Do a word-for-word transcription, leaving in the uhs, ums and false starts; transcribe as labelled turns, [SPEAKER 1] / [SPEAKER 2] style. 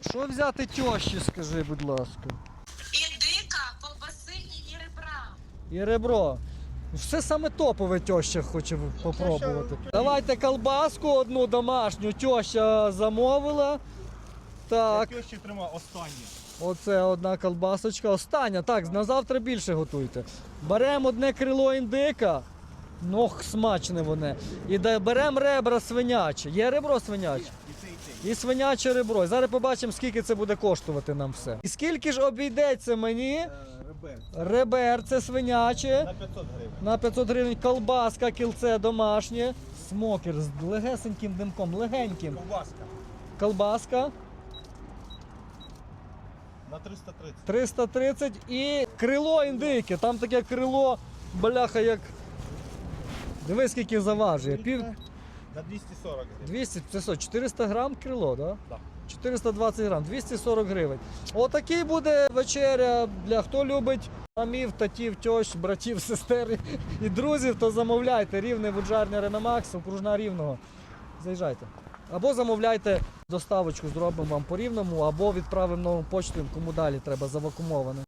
[SPEAKER 1] Що взяти тьощі, скажи, будь ласка.
[SPEAKER 2] Індика, ковбаси і ребра.
[SPEAKER 1] І ребро. Все саме топове тьоща хоче попробувати. Давайте колбаску одну домашню, тьоща замовила. Так.
[SPEAKER 3] Тьощі тримав останнє.
[SPEAKER 1] Оце одна колбасочка. Остання. Так, на завтра більше готуйте. Беремо одне крило індика. Нох, смачне воно. І беремо ребра свинячі. Є ребро свиняче?
[SPEAKER 3] І це, і це.
[SPEAKER 1] І свиняче ребро. І зараз побачимо, скільки це буде коштувати нам все. І скільки ж обійдеться мені
[SPEAKER 3] Е, Ребер.
[SPEAKER 1] ребер, це свиняче.
[SPEAKER 3] На п'ятсот гривень.
[SPEAKER 1] На п'ятсот гривень колбаска, кільце домашнє. Смокер з легесеньким димком, легеньким.
[SPEAKER 3] Ковбаска.
[SPEAKER 1] Колбаска
[SPEAKER 3] На триста тридцять.
[SPEAKER 1] триста тридцять і крило індики. Там таке крило, бляха, як... Дивись, скільки заважує. Пів...
[SPEAKER 3] На двісті сорок гривень.
[SPEAKER 1] двісті, це що, чотириста грам крило, так? Да?
[SPEAKER 3] Так.
[SPEAKER 1] чотириста двадцять грам, двісті сорок гривень. Отакий буде вечеря для хто любить мамів, татів, тьощ, братів, сестер і друзів, то замовляйте. Рівне Вуджарня Реномакс, окружна Рівного. Заїжджайте. Або замовляйте доставочку, зробимо вам по Рівному, або відправимо нову почтою, кому далі треба завакумоване.